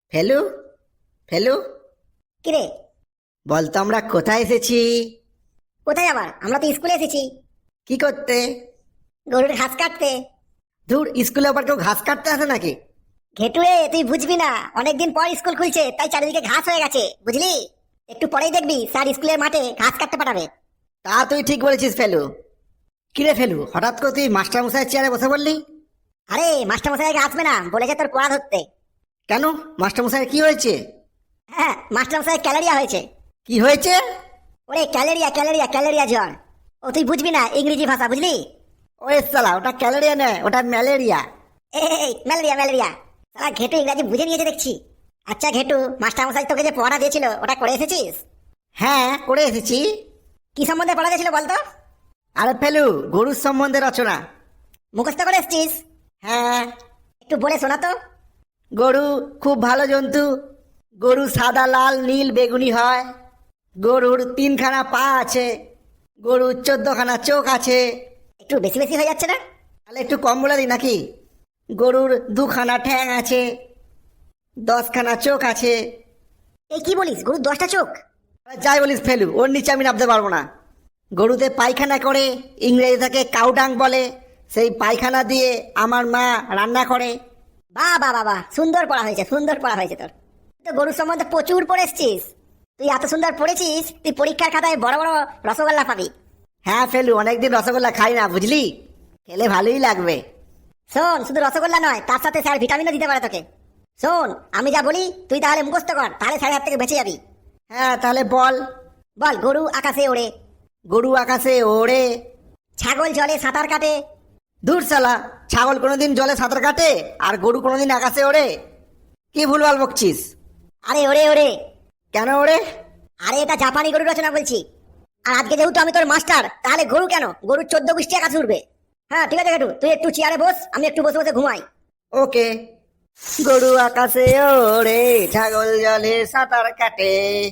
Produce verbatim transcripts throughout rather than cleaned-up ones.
ফেলু, ফেলু, কিরে? বলতো আমরা কোথায় এসেছি? কোথায় আবার? আমরা তো স্কুলে এসেছি। কি করতে? গরুর ঘাস কাটতে। ধুর, স্কুলে আবার কেউ ঘাস কাটতে আসে নাকি? ঘেটুয়ে, তুই বুঝবি না, অনেকদিন পর স্কুল খুলছে তাই চারিদিকে ঘাস হয়ে গেছে, বুঝলি? একটু পরেই দেখবি স্যার স্কুলের মাঠে ঘাস কাটতে পাঠাবে। তা তুই ঠিক বলেছিস ফেলু। কিরে ফেলু, হঠাৎ করে তুই মাস্টার মশাইয়ের চেয়ারে বসে পড়লি? আরে মাস্টার মশাই আগে আসবে না, বলেছে তোর পড়া ধরতে। কেন, মাস্টার মশাইয়ের কি হয়েছে? হ্যাঁ, মাস্টার মশাই ক্যালেরিয়া হয়েছে। কি হয়েছে? ওরে ক্যালেরিয়া ক্যালেরিয়া ক্যালেরিয়া জ্বর। ও তুই বুঝবি না ইংরেজি ভাষা, বুঝলি? ওরে সালা, ওটা ক্যালেরিয়া নয়, ওটা ম্যালেরিয়া। এই ম্যালেরিয়া ম্যালেরিয়া। সারা ঘেটু ইংরাজি বুঝে নিয়েছে দেখছি। আচ্ছা ঘেটু, মাস্টার মশাই তোকে যে পড়া দিয়েছিল ওটা করে এসেছিস? হ্যাঁ, করে এসেছি। কি সম্বন্ধে পড়া দিয়েছিল বলতো? আরে ফেলু, গরুর সম্বন্ধে রচনা। মুখস্থ করে এসেছিস? হ্যাঁ। একটু বলে শোনা তো। গরু খুব ভালো জন্তু। গরু সাদা, লাল, নীল, বেগুনি হয়। গরুর তিনখানা পা আছে। গরুর চোদ্দখানা চোখ আছে। একটু বেশি বেশি হয়ে যাচ্ছে না? তাহলে একটু কম বলে দিই নাকি? গরুর দুখানা ঠ্যাং আছে। দশখানা চোখ আছে। এই কি বলিস, গরুর দশটা চোখ? আরে যাই বলিস ফেলু, ওর নিচে আমি নামতে পারবো না। গরুতে পায়খানা করে, ইংরেজি তাকে কাউডাং বলে। সেই পায়খানা দিয়ে আমার মা রান্না করে। বাহ বাহ বাহ বাহ, সুন্দর পড়া হয়েছে, সুন্দর পড়া হয়েছে তোর। তুই তো গরুর সম্বন্ধে প্রচুর পড়ে এসছিস। তুই এত সুন্দর পড়েছিস, তুই পরীক্ষার খাতায় বড় বড় রসগোল্লা পাবি। হ্যাঁ ফেলু, অনেকদিন রসগোল্লা খাই না, বুঝলি? খেলে ভালোই লাগবে। শোন, শুধু রসগোল্লা নয়, তার সাথে স্যার ভিটামিনও দিতে পারে তোকে। শোন, আমি যা বলি তুই তাহলে মুখস্থ কর, তাহলে স্যারের হাত থেকে বেঁচে যাবি। হ্যাঁ, তাহলে বল। বল, গরু আকাশে ওড়ে। গরু আকাশে ওড়ে। ছাগল জলে সাঁতার কাটে। দূর শালা, ছাগল কোনোদিন জলে সাঁতার কাটে আর গরু কোনোদিন আকাশে ওড়ে? কি ভুলভাল বকছিস? আরে ওরে ওরে। কেন ওড়ে? আরে এটা জাপানি গরু রচনা বলছি। আর আজকে যেহেতু আমি তোর মাস্টার, তাহলে গরু কেন, গরুর চোদ্দ গোষ্ঠী আকাশে উঠবে। হ্যাঁ ঠিক আছে ঘেটু, তুই একটু চেয়ারে বস, আমি একটু বসে বসে ঘুমাই। ওকে। গরু আকাশে ওড়ে, ছাগল জলে সাঁতার কাটে।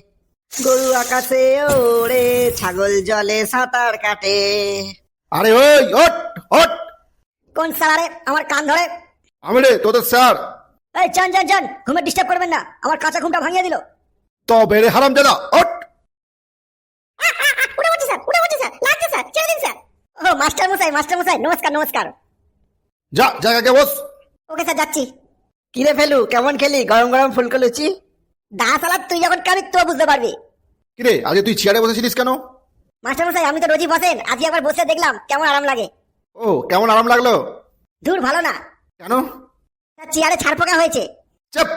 গরু আকাশে ওড়ে, ছাগল জলে সাঁতার কাটে। আরে ওই ওট ওট। কোন স্যার আমার কান ধরে? আমি রে তোদের স্যার। এই চান চান চান, ঘুমে ডিস্টার্ব করবেন না, আমার কাঁচা ঘুমটা ভাঙিয়ে দিল। তো বেড়ে হারাম দাদা ওট। উঠে পড়ছি স্যার, উঠে পড়ছি স্যার, লাগছে স্যার, ছেড়ে দিন স্যার। ও মাস্টার মশাই, মাস্টার মশাই, নমস্কার নমস্কার। যা জায়গাকে বস। ওকে স্যার, যাচ্ছি। কিরে ফেলু, কেমন খেলি গরম গরম ফুলকো লুচি? দা সালাদ তুই যখন খাবি তো বুঝতে পারবি। কিরে আজকে তুই চেয়ারে বসেছিলিস কেন? মাস্টার মশাই, আমি তো রোজই বসেন, আজকে একবার বসে দেখলাম কেমন আরাম লাগে। ও, কেমন আরাম লাগলো? দূর ভালো না। কেন? স্যার চেয়ারে ছাড় পোকা হয়েছে। চাপ।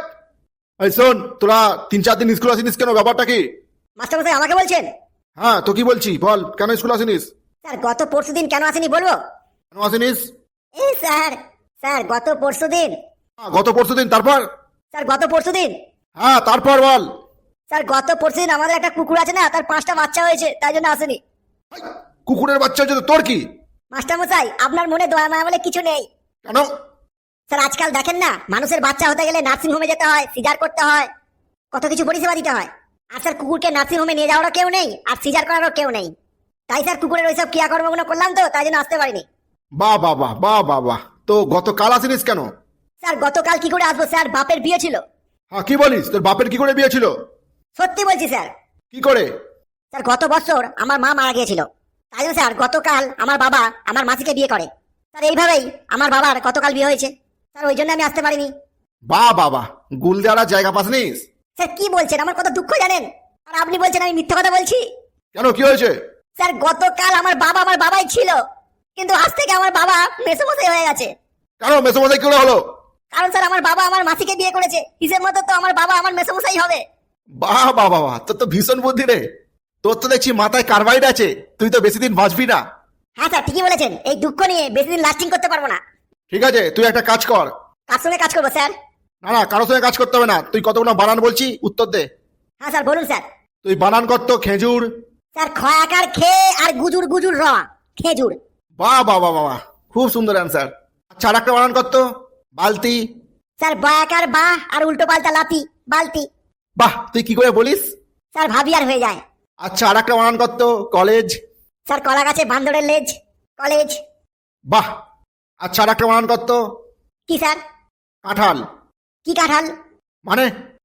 এই শোন, তোরা তিন চার দিন স্কুল আসিনিস কেন, ব্যাপারটা কি? মাস্টার মশাই আমাকে বলছেন? হ্যাঁ তো কি বলছি বল, কেন স্কুল আসিনিস? স্যার গত পরশু দিন কেন আসেনি বলবো? কেন আসিনিস? এই স্যার, স্যার গত পরশু দিন। হ্যাঁ, গত পরশু দিন, তারপর? স্যার গত পরশু দিন। হ্যাঁ তারপর বল। স্যার গত পরশু দিন আমাদের একটা কুকুর আছে না, তার পাঁচটা বাচ্চা হয়েছে, তাই জন্য আসেনি। হাই, কুকুরের বাচ্চা হচ্ছে তো তোর কি? মাস্টার মশাই, আপনার মনে দয়া মায়া বলে কিছু নেই। কেন? স্যার আজকাল দেখেন না, মানুষের বাচ্চা হতে গেলে নার্সিং হোমে যেতে হয়, সিজার করতে হয়, কত কিছু পরিষেবা দিতে হয়। আর স্যার কুকুরকে নার্সিং হোমে নিয়ে যাওয়ারও কেউ নেই, আর সিজার করারও কেউ নেই। তাই স্যার কুকুরের ওইসব ক্রিয়াকর্মগুলো করলাম তো, তাই জন্য আসতে পারিনি। বাহ বাহ বাহ বাহ বাহ বাহ। তো গতকাল আসিনিস কেন? স্যার গতকাল কি করে আসবো স্যার, বাপের বিয়ে ছিল। হ্যাঁ কি বলিস, তোর বাপের কি করে বিয়ে ছিল? সত্যি বলছি স্যার। কি করে? স্যার গত বছর আমার মা মারা গিয়েছিল, তাই জন্য স্যার গতকাল আমার বাবা আমার মাসিকে বিয়ে করে। স্যার এইভাবেই আমার বাবার গতকাল বিয়ে হয়েছে, স্যার ওই জন্য আমি আসতে পারিনি। বাহ বাবা, গুল দেওয়ার জায়গা পাসনিস? স্যার কি বলছেন, আমার কত দুঃখ জানেন? আর আপনি বলছেন আমি মিথ্যা কথা বলছি। কেন, কি হয়েছে? স্যার গতকাল আমার বাবা আমার বাবাই ছিল, কিন্তু আজ থেকে আমার বাবা মেসোমশাই হয়ে গেছে। কেন মেসোমশাই কি করে হলো? কারণ স্যার আমার বাবা আমার মাসিকে বিয়ে করেছে, হিসেব মতো তো আমার বাবা আমার মেসোমশাই হবে। বাহ বাহ বাহ, তোর তো ভীষণ বুদ্ধি রে। তোর তো দেখছি মাথায় কার্বাইড আছে, তুই তো বেশি দিন বাঁচবি না। হ্যাঁ স্যার ঠিকই বলেছেন, এই দুঃখ নিয়ে বেশি দিন লাস্টিং করতে পারবো না। ঠিক আছে, তুই একটা কাজ কর। কার সঙ্গে কাজ করবো স্যার? না না, কারোর সঙ্গে কাজ করতে হবে না, তুই কতগুলো বানান বলছি উত্তর দে। হ্যাঁ স্যার বলুন স্যার। তুই বানান করতো খেজুর। স্যার খয়াকার খে আর গুজুর গুজুর র, খেজুর। বাহ বাহ বাহ বাহ, খুব সুন্দর অ্যান্সার। আচ্ছা আর একটা বানান করতো বালতি। স্যার বয়াকার বা আর উল্টো পাল্টা লাতি, বালতি। বাহ, তুই কি করে বলিস? স্যার ভাবি আর হয়ে যায়। আচ্ছা আর একটা বানান করতো কলেজ। স্যার কলা গাছে বান্দরের লেজ, কলেজ। বাহ। আচ্ছা আর একটা বানান করতো কি স্যার? কাঁঠাল। কি কাঁঠাল? মানে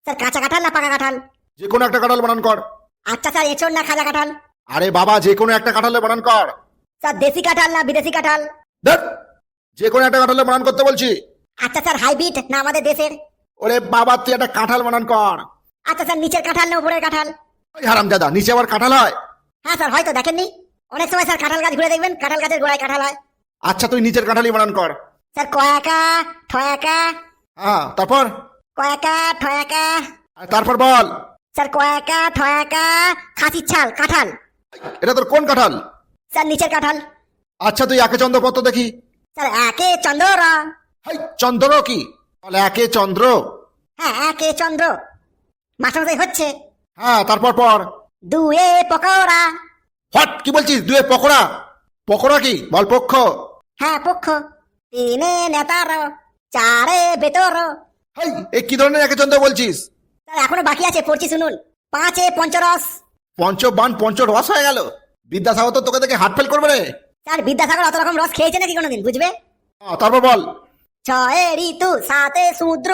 স্যার কাঁচা কাঁঠাল না পাকা কাঁঠাল? যে কোনো একটা কাঁঠাল বানান কর। আচ্ছা স্যার এঁচড় না খাজা কাঁঠাল? আরে বাবা, যে কোনো একটা কাঁঠালে বানান কর। স্যার দেশি কাঁঠাল না বিদেশি কাঁঠাল? দেখ, যে কোনো একটা কাঁঠালে বানান করতে বলছি। আচ্ছা স্যার হাইব্রিড না আমাদের দেশের? ওরে বাবা, তুই একটা কাঁঠাল বানান কর। আচ্ছা স্যার নিচের কাঁঠাল না উপরের কাঁঠাল? ওই হারামজাদা, নিচে আবার কাঁঠাল হয়? হ্যাঁ স্যার হয়তো দেখেননি, অনেক সময় স্যার কাঁঠাল গাছ ঘুরে দেখবেন কাঁঠাল গাছের গোড়ায় কাঁঠাল হয়। আচ্ছা, তুই নিচের কাঁঠালই বানান কর। স্যার কয়াকা ঠয়াকা? হ্যাঁ, তারপর? কয়াকা ঠয়াকা? আর তারপর বল। স্যার কয়াকা ঠয়াকা খাসির ছাল কাঁঠাল। এটা তোর কোন কাঁঠাল? স্যার নিচের কাঁঠাল। আচ্ছা, তুই একে চন্দ্র পত্র দেখি। স্যার একে চন্দ্র। হাই, চন্দ্র কি? বলে একে চন্দ্র। হ্যাঁ একে চন্দ্র। মাস্টারমশাই হচ্ছে। হ্যাঁ, তারপর পর। দুয়ে পকোড়া। হট, কি বলছিস? দুয়ে পকোড়া? পকোড়া কি? বল পক্ষ। হ্যাঁ পক্ষ। তিনে নেতার। চারে বেতর। হাই, এ কি ধরনের একে চন্দ্র বলছিস? স্যার এখনো বাকি আছে, পড়ছি শুনুন। পাঁচে পঞ্চরস। পঞ্চবান পঞ্চ রস হয়ে গেল। বিদ্যাসাগর তো তোকে দেখে হার্ট ফেল করবে রে। স্যার বিদ্যাসাগর অত রকম রস খেয়েছে নাকি কোনোদিন, বুঝবে? হ্যাঁ, তারপর বল। ছয়ে ঋতু। সাতে সমুদ্র।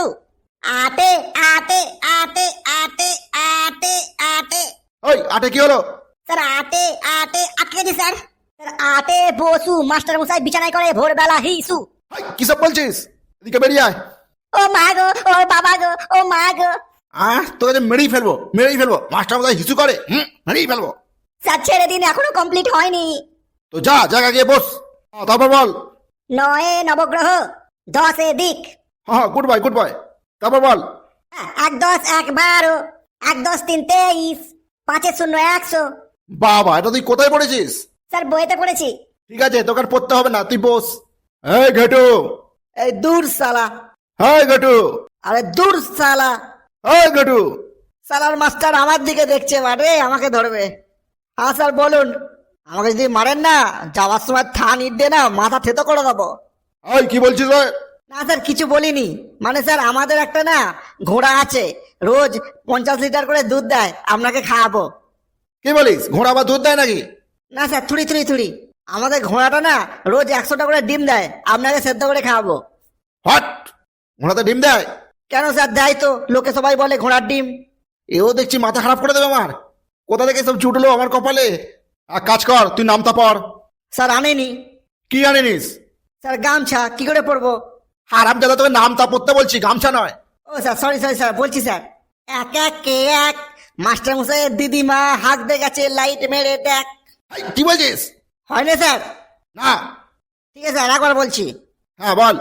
আটে আটে আটে আটে আটে আটে। ওই আটে কি হলো? স্যার আটে আটে আটকে গেছি স্যার। স্যার আটে বসু মাস্টার মশাই বিছানায় করে ভোরবেলা হিসু। হাই, কি সব বলছিস? এদিকে বেরিয়ে আয়। ও মা গো, ও বাবা গো, ও মা গো। আহ, তোকে যে মেরেই ফেলবো, মেরেই ফেলবো। মাস্টার বোধহয় হিসু করে। হুম, মেরেই ফেলবো। স্যার ছেড়ে দিন, এখনো কমপ্লিট হয়নি। তো যা, জায়গা গিয়ে বস। হ্যাঁ, তারপর বল। নয়ে নবগ্রহ। দশে দিক। হ্যাঁ, গুড বয়, গুড বয়। তারপর বল। হ্যাঁ, এক দশ এক বারো। এক দশ তিন তেইশ। পাঁচে শূন্য একশো। বাবা, এটা তুই কোথায় পড়েছিস? স্যার বইতে পড়েছি। ঠিক আছে, তোকে আর পড়তে হবে না, তুই বস। এই ঘেটু। এই দূর সালা। হাই ঘেটু। আরে দূর সালা। এই ঘেটু। সালার মাস্টার আমার দিকে দেখছে, মারে আমাকে ধরবে। হ্যাঁ স্যার বলুন। আমাকে যদি মারেন না, যাওয়ার সময় থান ইট দিয়ে না মাথা থেতো করে দেবো। এই কি বলছিস রে? না স্যার কিছু বলিনি, মানে স্যার আমাদের একটা না ঘোড়া আছে, রোজ পঞ্চাশ লিটার করে দুধ দেয়, আপনাকে খাওয়াবো। কি বলিস? ঘোড়া বা দুধ দেয় নাকি? না স্যার থুড়ি থুড়ি থুড়ি, আমাদের ঘোড়াটা না রোজ একশোটা করে ডিম দেয়, আপনাকে সেদ্ধ করে খাওয়াবো। হট, ঘোড়াতে ডিম দেয়? কেন স্যার, দেয় তো, লোকে সবাই বলে ঘোড়ার ডিম। এও দেখছি মাথা খারাপ করে দেবে আমার। কোথা থেকে সব জুটলো আমার কপালে? এক কাজ কর, তুই নামতা পড়। স্যার আনেনি। কি আনিনিস? স্যার গামছা, কি করে পরবো? হারাম দাদা, তোকে নামতা পড়তে বলছি, গামছা নয়। ও স্যার সরি সরি স্যার, বলছি স্যার। এক এক কে এক, মাস্টার মশাইয়ের দিদিমা হাঁক দে গেছে, লাইট মেরে দেখ। এই, কি বলছিস? হয় না স্যার? না। ঠিক আছে স্যার, একবার বলছি। হ্যাঁ বল।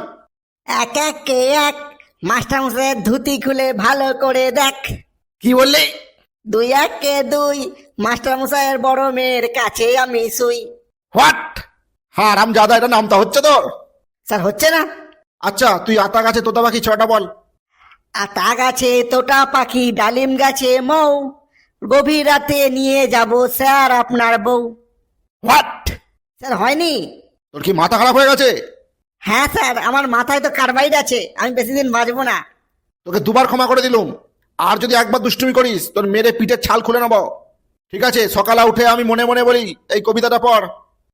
এক এক কে এক, মাস্টার মশাইয়ের ধুতি খুলে ভালো করে দেখ। কি বললি? দুই এক কে দুই, মাস্টার মশাইয়ের বড় মেয়ের কাছে আমি শুই। হোয়াট? হারাম দাদা, এটা নামতা হচ্ছে তোর? স্যার হচ্ছে না? আচ্ছা, তুই আতা গাছে তোতা পাখি ছটা বল। আতা গাছে তোটা পাখি, ডালিম গাছে মৌ, গভীর রাতে নিয়ে যাব স্যার আপনার বউ। হোয়াট? স্যার হয়নি? তোর কি মাথা খারাপ হয়ে গেছে? হ্যাঁ স্যার, আমার মাথায় তো কার্বাইড আছে, আমি বেশি দিন বাঁচবো না। তোকে দুবার ক্ষমা করে দিলুম, আর যদি একবার দুষ্টুমি করিস তোর মেরে পিঠের ছাল খুলে নেব। ঠিক আছে, সকালে উঠে আমি মনে মনে বলি এই কবিতাটা পড়।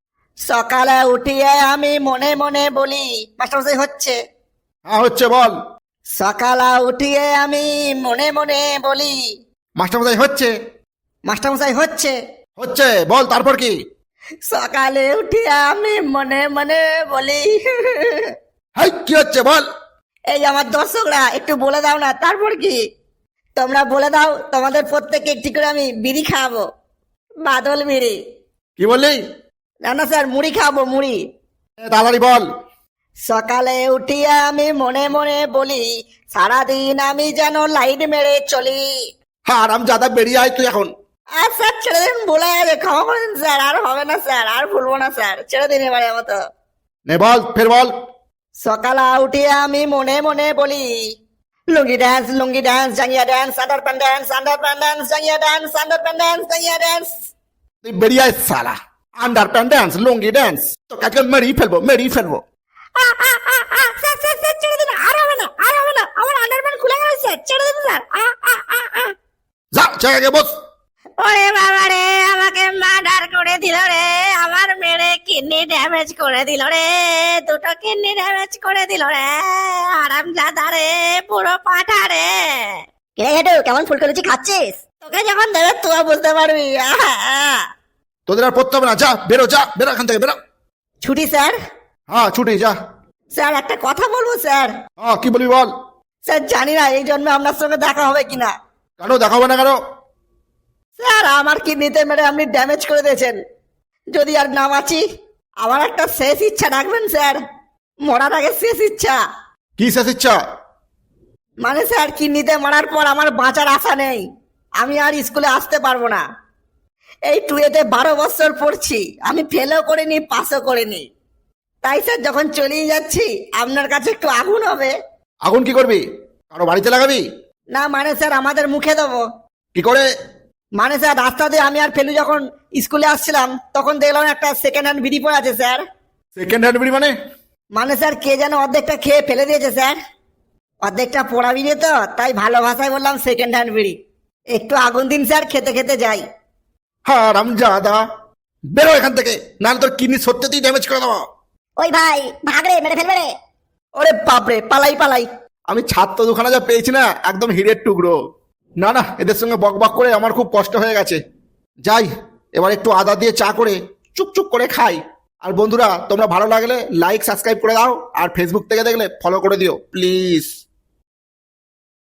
সকালে উঠিয়ে আমি মনে মনে বলি, মাস্টারমশাই হচ্ছে? হ্যাঁ হচ্ছে, বল। সকালে উঠিয়ে আমি মনে মনে বলি। মাস্টারমশাই হচ্ছে? মাস্টারমশাই হচ্ছে? হচ্ছে, বল তারপর কি? সকালে উঠিয়ে আমি মনে মনে বলি। হাই, কি হচ্ছে বল? এই আমার দর্শকরা একটু বলে দাও না, তারপর কি? তোমরা বলে দাও, তোমাদের প্রত্যেককে একটি করে আমি বিড়ি খাওয়াবো, বাদল বিড়ি। কি বললি? না না স্যার, মুড়ি খাওয়াবো, মুড়ি। এ, তাড়াতাড়ি বল। সকালে উঠিয়ে আমি মনে মনে বলি, সারাদিন আমি যেন লাইট মেরে চলি। হারাম জাদা, বেরিয়ে আয় তুই এখন। আর স্যার ছেড়ে দিন, বলে গেছে, ক্ষমা করে দিন স্যার, আর হবে না স্যার, আর ভুলবো না স্যার, ছেড়ে দিন এবারে মতো। নে বল, ফের বল। সকালে উঠিয়ে আমি মনে মনে বলি, লুঙ্গি ড্যান্স, লুঙ্গি ড্যান্স, জাঙ্গিয়া dance, under pant dance, under pant dance, জাঙ্গিয়া ড্যান্স, আন্ডার প্যান্ট ড্যান্স, জাঙ্গিয়া ড্যান্স। তুই বেরিয়ে আয় সালা। Under pant dance, lungi dance, তোকে আজকে মেরেই ফেলবো, মেরেই ফেলবো। স্যার স্যার স্যার ছেড়ে দিন, আর হবে না, আর হবে না, আমার আন্ডারপ্যান্ট খুলে গেল স্যার, ছেড়ে দিন স্যার। আ, আ, আ, আ। যা, জায়গায় বস। ওরে বাবা রে, আমাকে মার্ডার করে দিল রে, আমার মেরে কিডনি ড্যামেজ করে দিল রে, দুটো কিডনি ড্যামেজ করে দিল রে, আরামজাদা রে, পুরো পাঠা রে। কিরে হেঁটু কেমন ফুলকো লুচি খাচ্ছিস? তোকে যখন দেবে তুই বুঝতে পারবি। আহা, আহা। তোদের আর পড়তে হবে না, যা বেরো, যা বেরো এখান থেকে, বেরো। ছুটি স্যার। হ্যাঁ ছুটি, যা। স্যার একটা কথা বলবো স্যার। হ্যাঁ কি বলবি বল। স্যার জানি না এই জন্য আপনার সঙ্গে দেখা হবে কিনা। কেন দেখাবো না কেন? স্যার আমার কিডনিতে মেরে আপনি ড্যামেজ করে দিয়েছেন। যদি আর না বাঁচি, আমার একটা শেষ ইচ্ছা রাখবেন স্যার। মরার আগে শেষ ইচ্ছা। কি শেষ ইচ্ছা? মানে স্যার কিডনিতে মারার পর আমার বাঁচার আশা নেই। আমি আর স্কুলে আসতে পারবো না। এই টুয়েতে বারো বছর পড়ছি, আমি ফেলও করিনি, পাসও করিনি। তাই স্যার যখন চলেই যাচ্ছি আপনার কাছে একটু আগুন হবে। আগুন কি করবি? কারো বাড়িতে লাগাবি? না মানে স্যার আমাদের মুখে দেবো। কি করে? মানে স্যার রাস্তা দিয়ে আমি আর ফেলু যখন স্কুলে আসছিলাম তখন দেখলাম একটা সেকেন্ড হ্যান্ড বিড়ি পড়ে আছে স্যার। সেকেন্ড হ্যান্ড বিড়ি মানে? মানে স্যার কে যেন অর্ধেকটা খেয়ে ফেলে দিয়েছে স্যার। অর্ধেকটা পোড়া বিড়ি তো, তাই ভালো ভাষায় বললাম সেকেন্ড হ্যান্ড বিড়ি। একটু আগুন দিন স্যার, খেতে খেতে যাই। হ্যাঁ রামজাদা, বেরো এখান থেকে, নাহলে তোর কিডনি সত্যিই ড্যামেজ করে দেবো। ওই ভাই ভাগ রে, মেরে ফেলবে রে। ওরে বাপরে, পালাই পালাই। আমি ছাত্র দুখানা যা পেয়েছি না, একদম হিরের টুকরো। না না, এদের সঙ্গে বক বক করে আমার খুব কষ্ট হয়ে গেছে। যাই, এবার একটু আদা দিয়ে চা করে চুপচুপ করে খাই। আর বন্ধুরা, তোমরা ভালো লাগলে লাইক সাবস্ক্রাইব করে দাও, আর ফেসবুক থেকে দেখলে ফলো করে দিও প্লিজ।